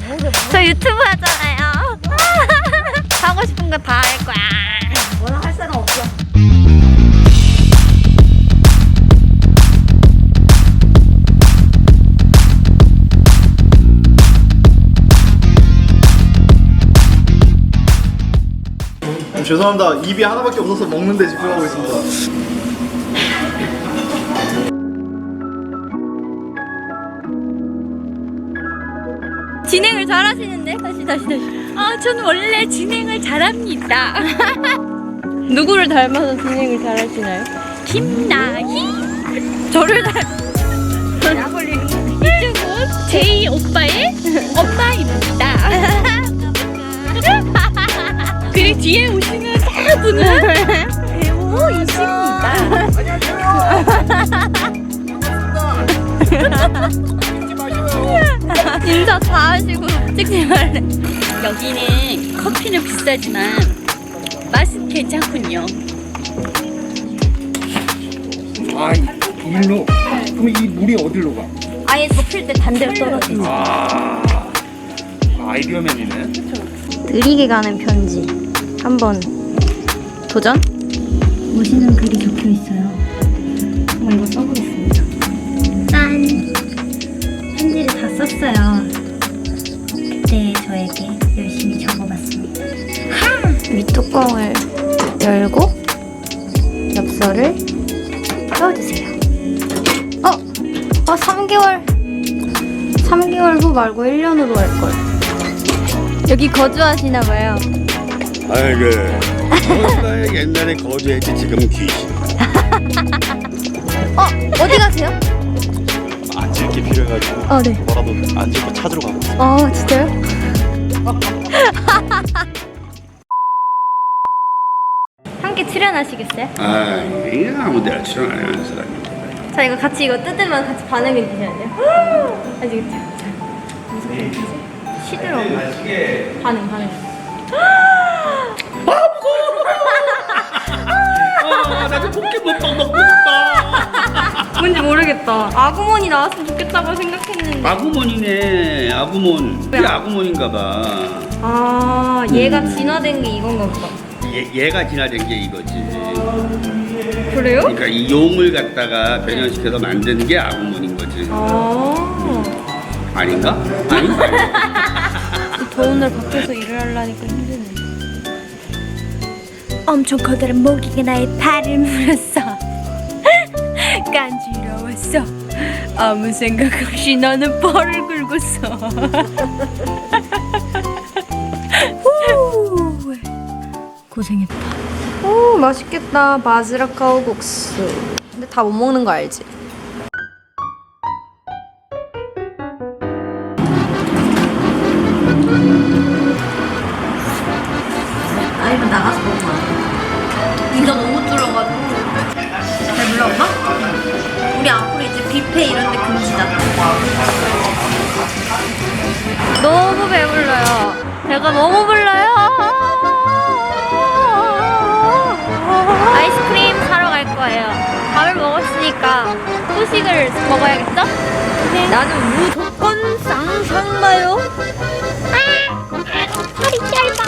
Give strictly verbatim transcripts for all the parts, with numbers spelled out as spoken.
저 유튜브 하잖아요. 하고 싶은 거 다 할 거야. 뭐라 할 사람 없어. 죄송합니다. 입이 하나밖에 없어서 먹는데 집중하고 있습니다. 진행을 잘하시는데? 다시 다시 다시. 아, 저는 원래 진행을 잘합니다. 누구를 닮아서 진행을 잘하시나요? 김나희. 저를 닮. 이쪽은 제이 오빠의 오빠입니다. 그리고 뒤에 오시는 사분은 배우이십니다. 인사 다 하시고 찍지 말래. 여기는 커피는 비싸지만 맛은 괜찮군요. 아, 일로? 그럼 이 물이 어디로 가? 아예 덮일 때 반대로 떨어지지. 아, 아이디어맨이네. 느리게 가는 편지 한번 도전? 오시는 글이 적혀 있어요. 한번 이거 써보겠습니다. 짠! 편지를 다 썼어요. 그때 저에게 열심히 적어봤습니다. 밑뚜껑을 열고 엽서를 넣어주세요. 어? 어, 삼 개월 삼 개월 후 말고 일 년으로 할걸. 여기 거주하시나봐요. 아이고, 나 옛날에 거주했지 지금 귀신. 어? 어디 가세요? 앉을 게 필요해가지고 어, 네. 뭐라도 앉을 거 찾으러 가고 있어. 어, 진짜요? 함께 출연하시겠어요? 아, 이게 아무데나 출연 안 하는 사람이. 자, 이거 같이 이거 뜯으면 같이 반응해 주셔야 돼요. 아시겠죠? 자, 무슨 시들어. 반응, 반응. 아, 나도 포켓몬빵 먹고 싶다. 뭔지 모르겠다. 아구몬이 나왔으면 좋겠다고 생각했는데. 아구몬이네, 아구몬. 이게 아구몬인가봐. 아, 얘가 진화된 게 이건가 보다. 얘, 얘가 진화된 게 이거지. 그래요? 그러니까 이 용을 갖다가 변형시켜서 만드는 게 아구몬인 거지. 아. 아닌가? 아닌가? 더운 날 밖에서 일을 하려니까 힘드네. 엄청 커다란 모기가 나의 발을 물었어. 간지러웠어. 아무 생각 없이 나는 발을 긁었어. 후. 고생했다. 오, 맛있겠다. 바지락 가오국수. 근데 다 못 먹는 거 알지? 아, 이거 나가서 먹으면 안 돼. 인가 너무 줄어가지고. 잘 몰라, 엄마? 우리 앞으로 이제 뷔페 이런 데 금지다. 너무 배불러요. 배가 너무 불러요. 아이스크림 사러 갈 거예요. 밥을 먹었으니까 후식을 먹어야겠죠? 네. 나는 무조건 쌍쌍마요. 아, 허리 짧아.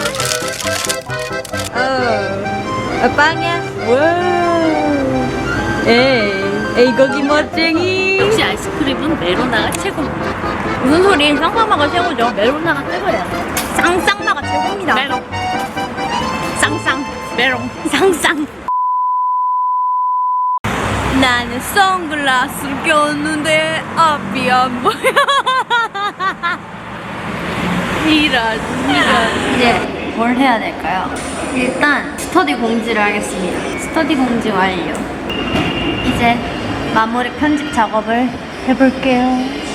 어, 빵이야. 와우. 에이, 에이 거기 멋쟁이. 역시 아이스크림은 메로나가 최고입니다. 무슨 소리? 쌍쌍마가 최고죠. 메로나가 최고예요. 쌍쌍마가 최고입니다. 메롱. 쌍쌍. 메롱. 쌍쌍. 나는 선글라스를 꼈는데 앞이 안 보여. 이런 이런. 이제 뭘 해야 될까요? 일단 스터디 공지를 하겠습니다. 스터디 공지 완료. 이제 마무리 편집 작업을 해볼게요.